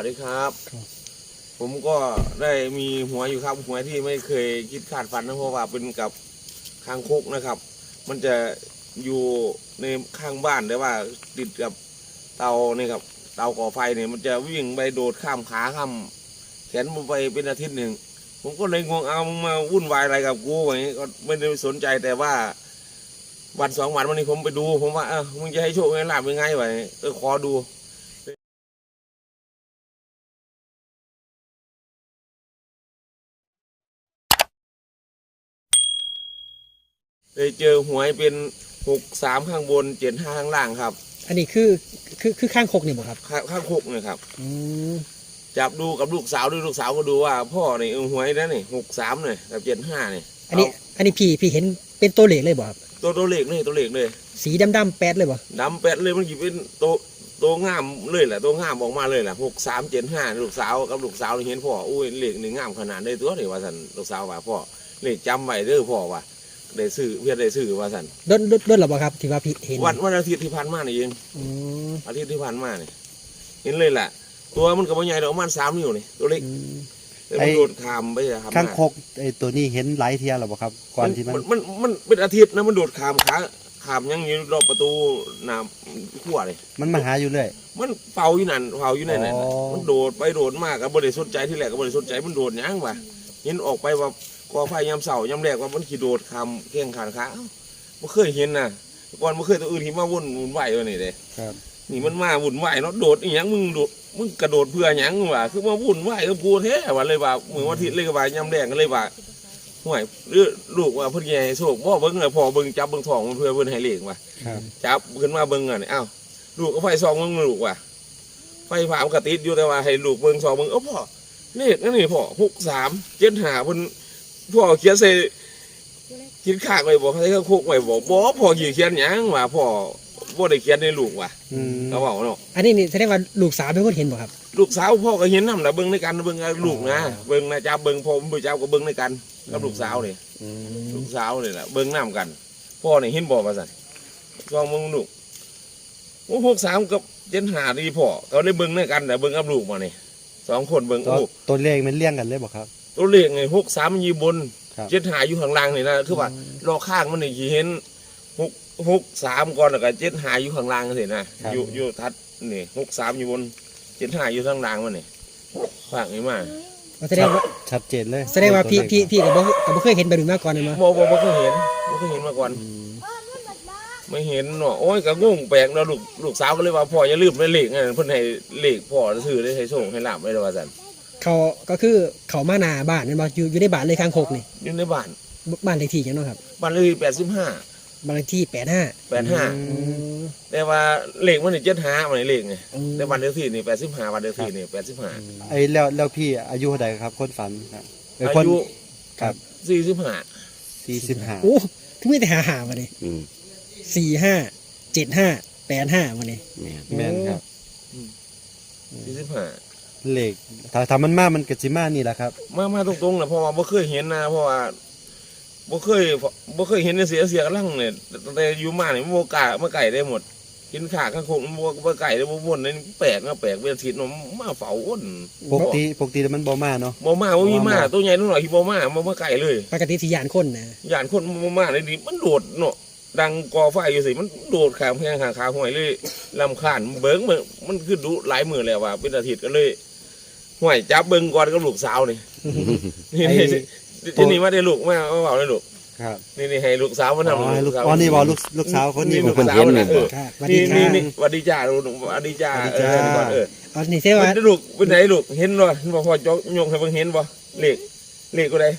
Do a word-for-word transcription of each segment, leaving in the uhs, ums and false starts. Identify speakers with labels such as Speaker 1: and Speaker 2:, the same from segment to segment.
Speaker 1: ดีครับผมก็ได้มีหัวอยู่ครับหัวที่ไม่เคยคิดขาดฝันนะเพราะว่าเป็นกับคางคกนะครับ มันจะอยู่ในข้างบ้านแต่ว่าติดกับเตาเนี่ยครับเตาก่อไฟเนี่ยมันจะวิ่งไปโดดข้ามขาข้ามแขนมันไปเป็นอาทิตย์หนึ่งผมก็เลยงงเอามาวุ่นวายอะไรกับกูอย่างนี้ก็ไม่ได้สนใจแต่ว่าวันสองวันวันนี้ผมไปดูผมว่าเออมึงจะให้โชคให้ลาบยังไงวะเออขอดูเลยเจอหวยเป็นหกสามข้างบนเจ็ดห้าข้างล่างครับ
Speaker 2: อันนี้คือคือคือข้างคกนี่บ่ครับ
Speaker 1: ข้างข้างคกเนี่ยครับจับดูกับลูกสาวด้วยลูกสาวก็ดูว่าพ่อเนี่ยหวยนั่นนี่หกสามเนี่ยกับเจ็ดห้าเนี่ย
Speaker 2: อันนี้อันนี้พี่พี่เห็นเป็นตัวเลขเลยบ่ครับ
Speaker 1: ตัวตัวเลขเลยตัวเลขเลย
Speaker 2: สีดำดำแปดเลยบ่
Speaker 1: ดำแปดเลยมันกี่เป็นตัวตัวงามเลยแหละตัวงามออกมาเลยแหละหกสามเจ็ดห้าลูกสาวกับลูกสาวเห็นพ่ออุ้ยเลขหนึ่งงามขนาดได้ตัวเลยว่าสันลูกสาวว่าพ่อเลขจำไว้เด้อพ่อว่าได้ซื้อเพื่อได้ซื้อว่าสัน
Speaker 2: ด้นด้นหรอบ่ครับที่ว่าพี่เห็น
Speaker 1: วันวันอาทิตย์ที่ผ่านมานี่เองอาทิตย์ที่ผ่านมานี่เห็นเลยแหละตัวมันกับใหญ่ดอกมันสามนิ้วนี่ตัวเล็กไอ้โดดขามไปครับ
Speaker 3: ข้างคกไอ้ตัวนี้เห็นหลายเทียหรอครับก่อนที่มัน
Speaker 1: มันมันเป็นอาทิตย์นะมันโดดขามขาขามยังอยู่รอบประตูน้ำขั้วเลย
Speaker 3: มันมาหาอยู่เลย
Speaker 1: มันเฝ้าอยู่นั่นเฝ้าอยู่นั่นน่ะมันโดดไปโดดมากกับบริสุทธิ์ใจที่แรกกับบริสุทธิ์ใจมันโดดยังวะเห็นออกไปว่ากอไฟยำเสายำแรกว่ามันขี่โดดคำแข้งขาขาไม่เคยเห็นนะก่อนไม่เคยตัวอื่นที่มาวุ่นวุ่นไหวเลยนี่เลยนี่มันมาวุ่นไหวเนาะโดดอีหยังมึงโดดมึงกระโดดเพื่อหยังวะคือมาวุ่นไหวกับกูแท้วะเลยว่าเหมือนวันที่เลยกับว่ายำแรกกันเลยว่าห่วยหรือลูกว่าเพื่อนใหญ่โศกพ่อเบิ้งเลยพ่อเบิ้งจับเบิ้งทองเพื่อเบิ้งให้เลี้ยงว่ะจับขึ้นมาเบิ้งอ่ะเนี่ยอ้าวลูกก็ไฟซองมึงลูกว่ะไฟผ่ามกระติดอยู่แต่ว่าให้ลูกเบิ้งซองมึงเออพ่อเลขนั่นนี่พ่อหกสามเจ็ดหาเพิ่นพ่อเขียนใส่คิดขากไว้บอกให้เขาคุกไว้บอกบอกพ่อเขียนยังว่ะพ่อพ่อได้เขียนในลูกว่ะเขาบอกเนาะ
Speaker 2: อันนี้นี่แสดงว่าลูกสาวเป็นคนเห็นบ่ครับ
Speaker 1: ลูกสาวพ่อก็เห็นน้ำแต่เบิ้งในกันเบิ้งลูกนะเบิ้งนะจ้าเบิ้งพ่อผู้เจ้าก็เบิ้งในกันกับลูกสาวเนี่ยลูกสาวเนี่ยแหละเบิ้งน้ำกันพ่อเนี่ยเห็นบอกมาสั่นซองมึงลูกโอ้หกสามกับเจ็ดหาดีพ่อเขาได้เบิ้งในกันแต่เบิ้งกับลูกมาเนี่ยสองคนเบิ้งโอ้
Speaker 3: ตัวเลขมันเลี่ยงกันเลยบอกครับ
Speaker 1: ตัวเลขไงหกสามมันยีบนเจ็ดหาอยู่ข้างล่างนี่นะคือว่ารอข้างมันนี่กี่เห็นหกหกสามก่อนแล้วก็เจ็ดหาอยู่ข้างล่างสินะอยู่อยู่ทัดนี่หกสามอยู่บนเจ็ดหาอยู่ข้างล่างมันนี่ฝากนี่มา
Speaker 2: แสดงว่า
Speaker 3: ชัดเจนเลย
Speaker 2: แสดงว่าพี่พี่พี่กับบ่บ่เคยเห็นแบบนี้มาก่อนเลยมั้ย
Speaker 1: บ่บ่บ่เคยเห็นบ่เคยเห็นมาก่อนไม่เห็นเนาะโอ้ยก็งงแปลกเนาะลูกลูกสาวก็เลยว่าพ่ออย่าลืมในเลขนั่นเพิ่นให้เลขพ่อซื้อได้ให้ส่งให้ลาบไว้ว่าซั่น
Speaker 2: เขาก็คือเขามาหน้าบ้านนั่นบ่อยู่อยู่ในบ้านเลยข้างคกนี่
Speaker 1: อยู่ในบ้าน
Speaker 2: บ้านเลขที่จังเนาะครับ
Speaker 1: บ้านเลขที่แปดสิบห้า
Speaker 2: บ้านเลขที่แปดห้า
Speaker 1: แปดห้าแต่ว่าเลขมันนี่เจ็ดห้ามันนี่เลขไงแต่บ้านเลขที่นี่แปดสิบห้าบ้านเลขที่นี่แปดสิบห้า
Speaker 3: ไอ้แล้วแล้วพี่อายุเท่าใดครับคนฝันครับ
Speaker 1: อายุครับสี่สิบห้า
Speaker 3: สี่สิบห้า
Speaker 2: โอ้ถึงมีแต่หาหามาดิสี่ห้าเจ็ดห้าแปดห้ามาดิ
Speaker 3: แม่นครับ
Speaker 1: สี่สิบห้า
Speaker 3: เลขถ้าทำมันมามันกระจิมานี่แหละครับ
Speaker 1: มามาตรงๆนะเพราะว่าบ่เคยเห็นนะเพราะว่าบ่เคยบ่เคยเห็นเสียเสียกระลังเนี่ยแต่อยู่มาเนี่ยบ่กล้ามาไก่ได้หมดกินขาข้างคงบ่บ่ไก่ได้บ่วนนี่แปลกนะแปลกเป็นทิศเนาะมาเฝ้าอ้น
Speaker 3: ปกติปกติมันบ่มาเนาะ
Speaker 1: บ่มาบ่มีมาตัวใหญ่ตัวน้อยที่บ่มาบ่มาไก่เลย
Speaker 2: ปกติสิย่านคนนะ
Speaker 1: ย่านคนบ่มาเลยดิมันโดดเนาะดังกอไฟอยู่สิมันโดดขามแพงขาขาห้อยเลยลำคาญเบิ้งมันมันคือดุหลายมือแล้วว่าเป็นอาทิตย์ก็เลยห้อยจับเบิ้งก่อนกับลูกสาวนี่นี่ที่นี่มาได้ลูกมาเอาเอาได้ลูก
Speaker 3: ครับ
Speaker 1: นี่นี่ให้ลูกสาวมาทำ
Speaker 3: ลูกสาวอ๋อนี่บอกลูกลูกสาวคนนี้
Speaker 1: ลูกสาวนะเออนี่นี่นี่วัดดีจ้าลูกวัดดีจ้าเออก่อนเออ
Speaker 2: อ๋อนี่เสียว่า
Speaker 1: ลูกเป็นไหนลูกเห็นบ่บ่พอจกยกให้เบิ่งเห็นบ่เลขเลขก็ได้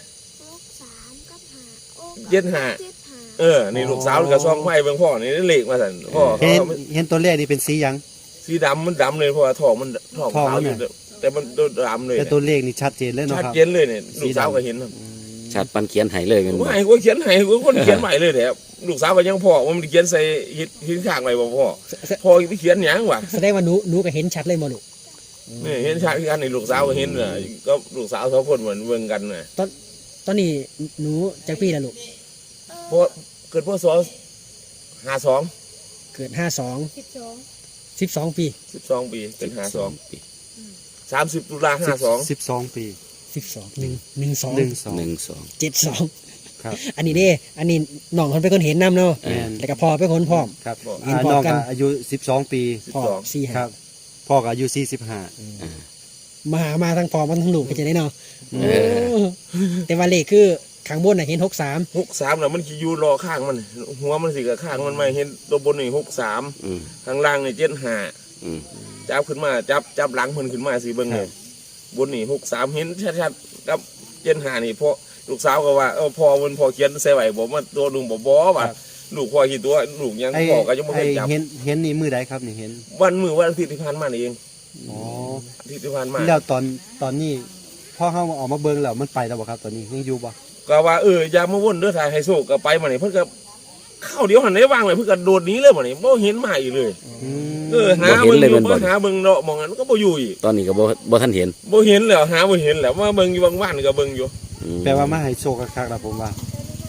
Speaker 1: เจ็ดห้าเออนี่ลูกสาวกับซองไม้เบิ่งพ่อนี่เลขมาสั่นพ่อ
Speaker 3: เห็นเห็นตัวเลขนี่เป็นสียัง
Speaker 1: สีดำมันดำเลยเพราะว่าทองมันทองขาวอยู่แต่มันดำเลย
Speaker 3: แต่ตัวเลขนี่ชัดเจนเลยเนาะ
Speaker 1: ชัดเจนเลยเนี่ยลูกสาวก็เห็น
Speaker 4: ชัดปันเขียนไห้เลยกัน
Speaker 1: ไม่ก็เขียนไห้ก็คนเขียนใหม่เลยแหละลูกสาวก็ยังพ่อว่ามันเขียนใส่หินข้างไว้บ่พ่อพ่อไปเขียนหยังวะ
Speaker 2: แสดงว่าหนูหนูก็เห็นชัดเลยบ่ลูก
Speaker 1: นี่เห็นชัดที่กันนี่ลูกสาวก็เห็นน่ะก็ลูกสาวสองคนเหมือนเบิ่งกันน่ะ
Speaker 2: ตอนตอนนี้หนูจักปีแล้วลูก
Speaker 1: เพราะเกิดพศห้าสอง
Speaker 2: เกิดห้าสองสิบสองสิบสองปี
Speaker 1: สิบสองปีเป็นห้าสองปีสามสิบตุลาห้าสอง
Speaker 3: สิบสองปี
Speaker 2: สิบสองหนึ่งหนึ่งสอง
Speaker 3: หนึ่งสอง
Speaker 4: หนึ่งสอง
Speaker 2: เจ็ดสอง
Speaker 3: ครับ
Speaker 2: อันนี้เด้อันนี้น้องคนเป็นคนเห็นน้ำเนาะ
Speaker 3: แม่น
Speaker 2: แล้วก็พ่อเป็นคนพร้อม
Speaker 3: ครับ
Speaker 2: เห็น
Speaker 3: อ่า
Speaker 2: พร้อม
Speaker 3: น้อง
Speaker 2: กัน
Speaker 3: ก็อายุสิบสองปี
Speaker 2: พ่อสี่
Speaker 3: ค
Speaker 2: ห้า
Speaker 3: รับ พ่อก็อายุสี่สิบห้า
Speaker 2: มาหามาทั้งพ่อมาทั้งลูกก็จะได้เนาะ
Speaker 4: เออ
Speaker 2: แต่ว่าเลขคือข้างบนน่ะเห็นหกสาม
Speaker 1: หกสามน่ะมันขี่อยู่รอข้างมัน หัวมันสิกับข้างมันไม่เห็นตัวบนนี่หกสาม
Speaker 4: อืม
Speaker 1: ข้างล่างนี่เจ็ดห้า
Speaker 4: อืม
Speaker 1: จับขึ้นมาจับจับหลังมันขึ้นมาสิเบิ่งเลยบนนี่หกสามเห็นชัดๆกับเจ็ดห้านี่พ่อลูกสาวก็ว่าเออพ่อมันพ่อเขียนใส่ไหวบอกว่าตัวหนุ่มบ่บ่ว่ะลูกพ่อคิดตัวลูกยัง
Speaker 3: ไอ้
Speaker 1: พ่อก็ยังไม่เค
Speaker 3: ไอ้
Speaker 1: ยจับ
Speaker 3: เห็นเห็นนี่มือใดครับนี่เห็น
Speaker 1: วันมือวันอาทิตย์ที่ผ่านมานี่เอง
Speaker 3: อ๋อ
Speaker 1: อาทิตย์ที่ผ่านมา
Speaker 3: แล้วตอนตอนนี้พ่อเขาออกมาเบิ่งแล้วมันไปแล้วบ่ครับตอนนี้ยังอยู่บ่
Speaker 1: ก็ว่าเอออย่ามาวนเด้อทายไฮโซก็ไปมานี่เพิ่นก็เข้าเดียวหันได้วางเลยเพิ่นก็โดดหนี้เลยมานี่บ่เห็นมาอีกเลย
Speaker 3: อืม
Speaker 1: เออหาเบิ่งอยู่บ่หาเบิ่งเนาะมองนั้นก็บ่อยู่อีก
Speaker 4: ตอนนี้ก็บ่บ่ทันเห็น
Speaker 1: บ่เห็นแล้วหาบ่เห็นแล้วมาเบิ่งอยู่บางวันก็เบิ่งอยู่
Speaker 4: อืม
Speaker 3: แปลว่ามาให้โชคคักๆแล้วผมว่า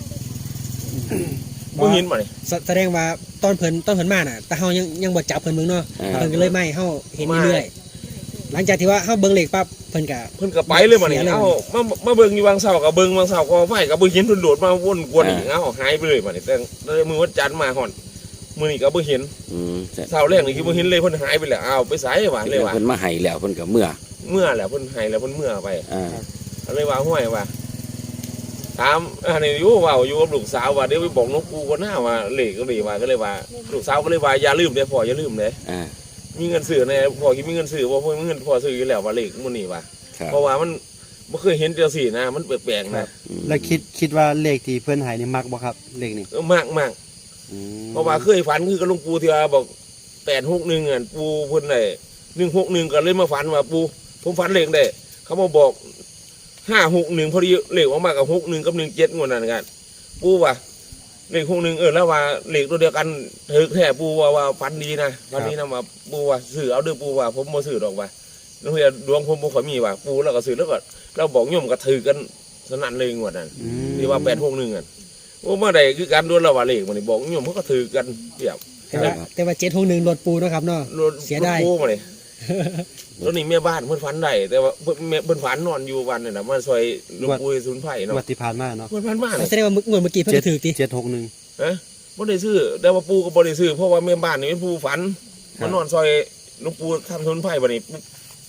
Speaker 1: บ่เห็นมานี่
Speaker 2: แสแสดงว่าตอนเพิ่นตอนเพิ่นมาน่ะแต่เฮายังยังบ่จับเพิ่นเบิ่งเนาะ
Speaker 4: อ่า
Speaker 2: เพิ่นก็เลยไม่เฮาเห็นเรื่อยๆหลังจากที่ว่าเฮาเบิ่งเลขปั๊บเพิ่นก็
Speaker 1: เพิ่นก็ไปเลยมานี่
Speaker 2: เสียเลย
Speaker 1: เอ้ามามาเบิ่งอยู่บางเสาก็เบิ่งบางเสาก็ไฟก็บ่เห็นเพิ่นโดดมาวนกวนอีกเอ้าหายไปเลยมานี่แต่เลยมื้อวันจันทร์มาฮอดมื้อนี้ก็บ่เห็น
Speaker 4: อืม
Speaker 1: เสาแรกนี่คือบ่เห็นเลยเพิ่นหายไปแล้วอ้าวไปไสวะเลยว่า
Speaker 4: เพิ่นมาให้แล้วเพิ่นก็เมื่อ
Speaker 1: เมื่อแล้วเพิ่นหายแล้วเพิ่นเมื่อไป
Speaker 4: อ่า
Speaker 1: ก็เลยว่าห้วยว่าถามอันนี้อยู่ว่าอยู่กับลูกสาวว่าเดี๋ยวไปบอกนกกูก็น่าว่าเลขก็ดีว่าก็เลยว่าลูกสาวก็เลยว่าอย่าลืมเด้อพ่ออย่าลืมเด้อ
Speaker 4: อ่า
Speaker 1: มีเงินซื้อในพ่อคิดมีเงินซื้อบ่พ่อมีเงินพ่อซื้ออยู่แล้วว่าเลขมื้อนี้ว่า
Speaker 4: ครับ
Speaker 1: เพราะว่ามันบ่เคยเห็นจังซี่นะมันแปลกๆ
Speaker 3: ครั
Speaker 1: นะ
Speaker 3: บ แล้วคิดคิดว่าเลขที่เพิ่นให้นี่มักบ่ครับเลขนี่
Speaker 1: เออมากมาก
Speaker 3: อืม
Speaker 1: เพราะว่าเคยฝันคือกับหลวงปู่ที่ว่าบอกแปดหกหนึ่งอ่ะปู่เพิ่นได้หนึ่งหกหนึ่งก็เลยมาฝันว่าปู่ผมฝันเลขได้เขามาบอกห้าหกหนึ่งพอดีเลขออกมากับหกหนึ่งกับหนึ่งเจ็ดงวดนั้นกันปู่ว่าเลขหกหนึ่งเออแล้วว่าเลขตัวเดียวกันถือแค่ปู่ว่าว่าฝันดีนะฝันดีนะว่าปู่ว่าซื้อเอาเด้อปู่ว่าผมบ่ซื้อดอกว่าแล้วเฮียดวงผมบ่ค่อยมีว่าปู่แล้วก็ซื้อแล้วก็เราบอกโยมก็ถือกันสนั่นเลยงวดนั้น
Speaker 3: อืม
Speaker 1: ที่ว่าแปดหกหนึ่งอ่ะโอ้เมื่อใดคือการดวลระหว่างเลขมันนี่บอกโยมเขาก็ถือกันเปรียบ
Speaker 2: แต่ว่าแต่ว่าเจ็ดหกหนึ่งรถปูเนาะครับเนาะ
Speaker 1: รถ
Speaker 2: เสียดาย
Speaker 1: รถกู้มาเลยแล้วนี่แม่บ้านเพิ่นฝันได้แต่ว่าเพิ่นแม่เพิ่นฝันนอนอยู่วันนี่นะมาซอยหลวงปู่ศูนย์ไผ่เนาะ
Speaker 3: งวดที่ผ่านมาเนาะ
Speaker 1: เพิ่นฝันบ้าน
Speaker 2: แสดงว่าเมื่องวดเมื่อกี้เพิ่นก็ถือติ
Speaker 3: เจ็ดหกหนึ่ง
Speaker 1: ฮะบ่ได้ซื้อแต่ว่าปู่ก็บ่ได้ซื้อเพราะว่าแม่บ้านนี่เป็นผู้ฝัน
Speaker 3: ครับ
Speaker 1: มานอนซอยหลวงปู่ทำศูนย์ไผ่บัดนี้ปุ๊บ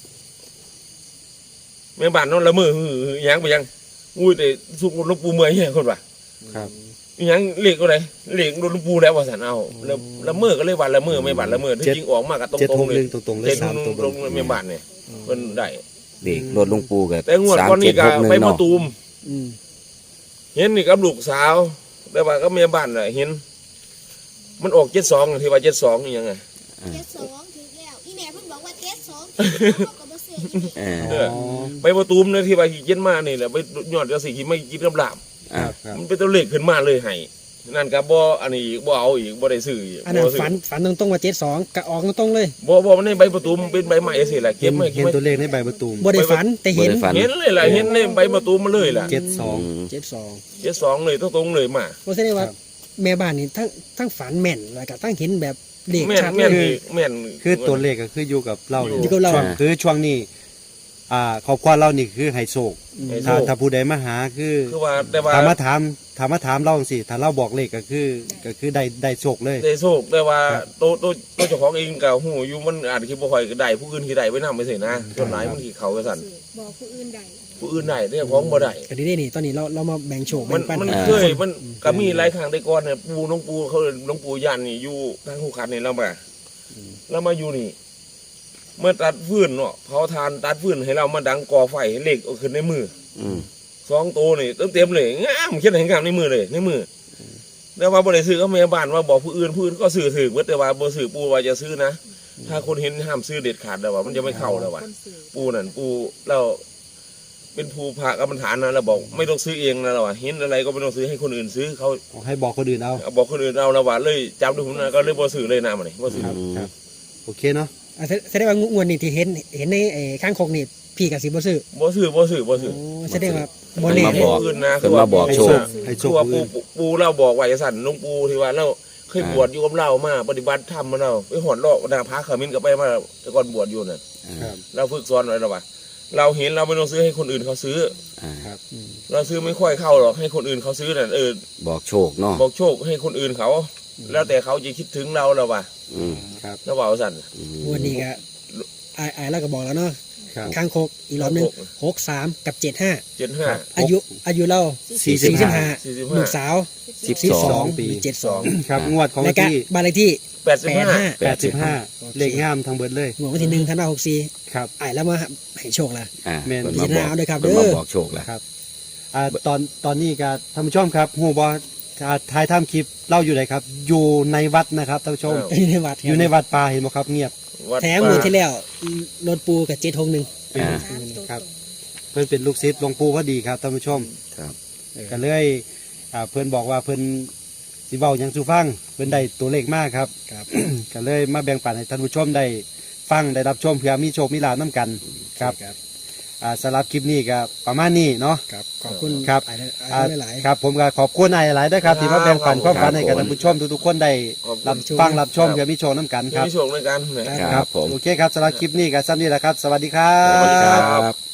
Speaker 1: แม่บ้านนอนละเมอหือหยังไปยังอุ้ยแต่สุกหลวงปู่เมื่อยแฮ่คนว่า
Speaker 3: ครับ
Speaker 1: อิหยังเลขก็ได้เลขโดนหลวงปู่แล้วว่าซั่นเอาแล้วละเมอก็เลยว่าละเมอแม่บ้านละเมอที่จริงออกมาก็ต
Speaker 3: เจ็ด
Speaker 1: ร
Speaker 3: ห
Speaker 1: ง
Speaker 3: ก
Speaker 1: ๆเล
Speaker 3: ห
Speaker 1: ย
Speaker 3: นึ่งตรงๆเลย
Speaker 1: เจ็ด
Speaker 3: สามตัวบ
Speaker 1: ลง
Speaker 3: น
Speaker 1: แม่บ้านเนี่ยเพิ่นได้
Speaker 4: เด็กรถหลวงปู่ก็
Speaker 1: แต่งวดก่อนนี่ก็ไปมาตูม
Speaker 2: อืม
Speaker 1: เห็นนี่กับลูกสาว แต่ว่าก็แม่บ้านน่ะเห็น มันออกเจ็ดสองที่ว่าเจ็ดสองนี่ยังไง
Speaker 5: เจ็ดสองถึงแล้วอีแม่เพิ่นบอกว่าเจ็ดสองถึงแล้วเขาก็บ่เสียอีแม่
Speaker 4: เออ
Speaker 1: เออ ไปมาตูมเนี่ยที่ว่าขี่เย็นมานี่แหละไปยอดกระสีขี่ไม่กินกำลาบ
Speaker 4: อ่า
Speaker 3: ครับ
Speaker 1: มันเป็นตัวเลขขึ้นมาเลยให้นั่นก็บ่อันนี้อีกบ่เอาอีกบ่ได้ซื้ออีก
Speaker 2: อันนั้น
Speaker 1: บ่ซื้
Speaker 2: ฝันฝันตรงๆว่าเจ็ดสองก็ออกตรงๆเลย
Speaker 1: บ่บ่มันในใบประตูมันเป็นใบใหม่สิล่ะ
Speaker 3: เห็
Speaker 1: เก็บ
Speaker 3: น
Speaker 1: ไว้
Speaker 3: เห็
Speaker 1: เก็บ
Speaker 3: น
Speaker 1: ไว้
Speaker 3: ตัวเลขในใบประตูม
Speaker 2: บ่ได้ฝันแต่เห็น
Speaker 4: บ่ได้ฝัน
Speaker 1: เห็นเลยล่ะเห็นในใบประตูมันเลยล่ะ
Speaker 3: เจ็ดสอง
Speaker 4: ม
Speaker 2: เจ็ดสอง
Speaker 1: เจ็ดสองเลยตรงๆเลยมา
Speaker 2: บ่แสดงว่า
Speaker 3: ครับ
Speaker 2: แม่บ้านนี่ทั้งทั้งฝันแม่นแล้วก็ทั้งเห็นแบบเลข
Speaker 1: แม่น
Speaker 2: ชัด
Speaker 1: แม่น
Speaker 2: เลย
Speaker 1: อีกแม่น
Speaker 3: คือตัวเลขก็คืออยู่กับเราเนี่
Speaker 2: อยู่กับเรา
Speaker 3: ช่วงคือช่วงนี้ อ่าครอบครัวเรานี่คือไฮโซก
Speaker 1: ไฮโซ
Speaker 3: ถ้าถ้าผู้ใดมาหาคือ
Speaker 1: คือว่าแต่ว่า
Speaker 3: ถามมาถามถามมาถามเราสิถ้าเราบอกเลขก็คือก็คือได้ได้โชคเลย
Speaker 1: ได้โชคแต่ว่า
Speaker 3: ครับ
Speaker 1: โตโตโตเจ้าของเองก็หูอยู่มันอาจสิบ่ค่อยได้ผู้อื่นที่ได้ไว้นำไปสินะส่วนหลายมันสิเข้าไปสั่น
Speaker 5: บอกผู้อื่นได้
Speaker 1: ผู้อื่นได้แต่เจ้าของบ่ได้
Speaker 2: ก็ดีๆนี่ตอนนี้เราเรามาแบ่งโชค
Speaker 1: มั
Speaker 2: แบ่
Speaker 1: น
Speaker 2: งปัน
Speaker 1: มัน
Speaker 2: ให้
Speaker 1: เคย
Speaker 2: ทุก
Speaker 1: มันก็มีหลายครั้งแต่ก่อนเนี่ยปู่หลวงปู่เขาหลวงปู่ยันนี่อยู่ทางหูขันนี่เรามาเรามาอยู่นี่ เมื่อตัดฟืนเนาะเผาทานตัดฟืนให้เรามาดังก่อไฟให้เหล็กเอาขึ้นในมือ
Speaker 4: อืม
Speaker 1: สองตัวนี่เต็มๆเลยงามเขียนให้งามในมือเลยในมือแต่ว่าบ่ได้ซื้อก็แม่บ้านว่าบอกผู้อื่นผู้อื่นก็ซื้อถือเบิดแต่ว่าบ่ซื้อปู่ว่าจะซื้อนะถ้าคนเห็นห้ามซื้อเด็ดขาดแล้วว่ามันจะไม่เข้าแล้วว่า
Speaker 5: คนสื่อ
Speaker 1: ปู่นั่นปู่เราเป็นผู้พระกรรมฐานนะเราบอกไม่ต้องซื้อเองนะเราว่าเห็นอะไรก็ไม่ต้องซื้อให้คนอื่นซื้อเขา
Speaker 3: ให้บอกคนอื่นเอา
Speaker 1: เอาบอกคนอื่นเอาเราว่าเลยจำด้วยผมนะก็เลยบ่ซื้อเลยนะมันนี่บ่ซื้อ
Speaker 3: ครับครับ โอเคเนาะ
Speaker 2: อ่ะแสแสดงว่างวดนี้ที่เห็นเห็นในไอ้ข้างคกนี่พี่กับสิบ่ซื้อ
Speaker 1: บ่ซื้อบ่ซื้อบ่ซื้อ
Speaker 2: โอ้แสดงว่า
Speaker 4: เพิ่
Speaker 2: บ่
Speaker 4: น
Speaker 2: แน่
Speaker 4: มา
Speaker 2: เด้
Speaker 4: บอก
Speaker 1: อื่นนะ
Speaker 4: เพิ่นมาบอกโชค
Speaker 3: ให้โช
Speaker 1: คือ
Speaker 3: ค
Speaker 1: ว่า
Speaker 3: ผู้
Speaker 1: ปู
Speaker 3: อื่น
Speaker 1: ปูเราบอกไว้สั่นหลุงปูที่ว่าเราเคยบวชอยู่กับเรามาปฏิบัติธรรมมาเราไปหอดรอบนาพาขมิ้นก็ไปมาแต่ก่อนบวชอยู่น่ะ
Speaker 3: ครับ
Speaker 1: เราฝึกสอนอะไรเราวะเราเห็นเราไม่ต้องซื้อให้คนอื่นเขาซื้อ
Speaker 4: อ่า
Speaker 3: ครับ
Speaker 1: เราซื้อไม่ค่อยเข้าหรอกให้คนอื่นเขาซื้อน่ะเออ
Speaker 4: บอกโชคเนาะ
Speaker 1: บอกโชคให้คนอื่นเขา แล้วแต่เขาจะคิดถึงเราแล้ววะ
Speaker 4: อืม
Speaker 3: ครับ
Speaker 1: แล้วว่าเอาสั่น
Speaker 4: อืม
Speaker 2: วันนี้ก็ไอ้ไอ้แล้วก็บอกแล้วเนาะ
Speaker 3: ครับ
Speaker 2: ข้างโคกอีกรอบหนึงหกสามกับเจ็ดห้า
Speaker 1: เจ็ดห้า
Speaker 2: อายุอายุเรา
Speaker 3: สี่สิบ
Speaker 2: สี่สิบห้า
Speaker 1: สี่สิบ
Speaker 2: ลู
Speaker 1: ห้าก
Speaker 2: สาว
Speaker 4: สิบ
Speaker 2: สิบ
Speaker 4: ส
Speaker 2: ส
Speaker 4: อ
Speaker 2: อง ง
Speaker 3: ปี
Speaker 2: เจ็ดสอง
Speaker 3: ครับงวดของ
Speaker 2: ใน
Speaker 3: วัน
Speaker 2: การ
Speaker 3: ที่
Speaker 2: บ้านเลขที่
Speaker 1: แปดสิบ
Speaker 2: แปด
Speaker 1: ห้า
Speaker 2: ห้า
Speaker 3: แปดสิบห้าเลขงามทั้งเบิดเลย
Speaker 2: งวดวันที่หนึ่งธันวาหกสี่
Speaker 3: ครับ
Speaker 2: ไอ้แล้วมาให้โชคละ
Speaker 4: อ่า
Speaker 3: แม่น
Speaker 4: เพิ่นมาบอก
Speaker 2: พิจารณาเอาด้วยครับ
Speaker 4: เพิ่นมา
Speaker 2: เด้อ
Speaker 4: บอกโชคแล้ว
Speaker 3: ครับอ่าตอนตอนนี้ก็ท่านผู้ชมครับฮู้บ่อ่าถ่ายทำคลิปเล่าอยู่ไหนครับ อยู่ในวัดนะครับท่านผู้ชม
Speaker 2: อยู่ในวัด
Speaker 3: อยู่ในวัดป่าเห็นบ่ครับเงียบ
Speaker 1: วัด
Speaker 2: แถมมือที่แล้วรถปูกับเจ็ดหกหนึ่ง
Speaker 4: อ่า
Speaker 3: ครับเพิ่นเป็นลูกศิษย์หลวงปู่พอดีครับท่านผู้ชม
Speaker 4: ครับ
Speaker 3: ก็เลยอ่าเพิ่นบอกว่าเพิ่นสิเว้าหยังสู่ฟังเพิ่นได้ตัวเลขมากครับ
Speaker 2: ครับ
Speaker 3: ก็เลยมาแบ่งปันให้ท่านผู้ชมได้ฟังได้รับชมเพื่อมีโชคมีลาภนํกันครับ
Speaker 2: ครับ
Speaker 3: อ่าสำหรับคลิปนี้ก็ประมาณนี้เนาะ
Speaker 2: ครับขอบคุณ
Speaker 3: ครับ
Speaker 2: ไอ้
Speaker 3: อ่า
Speaker 2: ไอ้หลายๆ
Speaker 3: ครับผมก็ขอบคุณนายหลายๆด้วยครับที่มาแบ่งปันความฝันให้กับท่านผู้ชมทุกๆคนได้
Speaker 1: ขอบคุ
Speaker 3: รับ
Speaker 1: ณ
Speaker 3: ฟังรับชมเพื่อมีโชคน้กันครับ
Speaker 1: มีโชคด้วยกันนะ
Speaker 4: ครับผม
Speaker 3: โอเคครับสำหรับคลิปนี้ก็ซ้ำนี้แหละครับ สวัสดีครั
Speaker 1: สวัสดี
Speaker 3: บ
Speaker 1: ครับ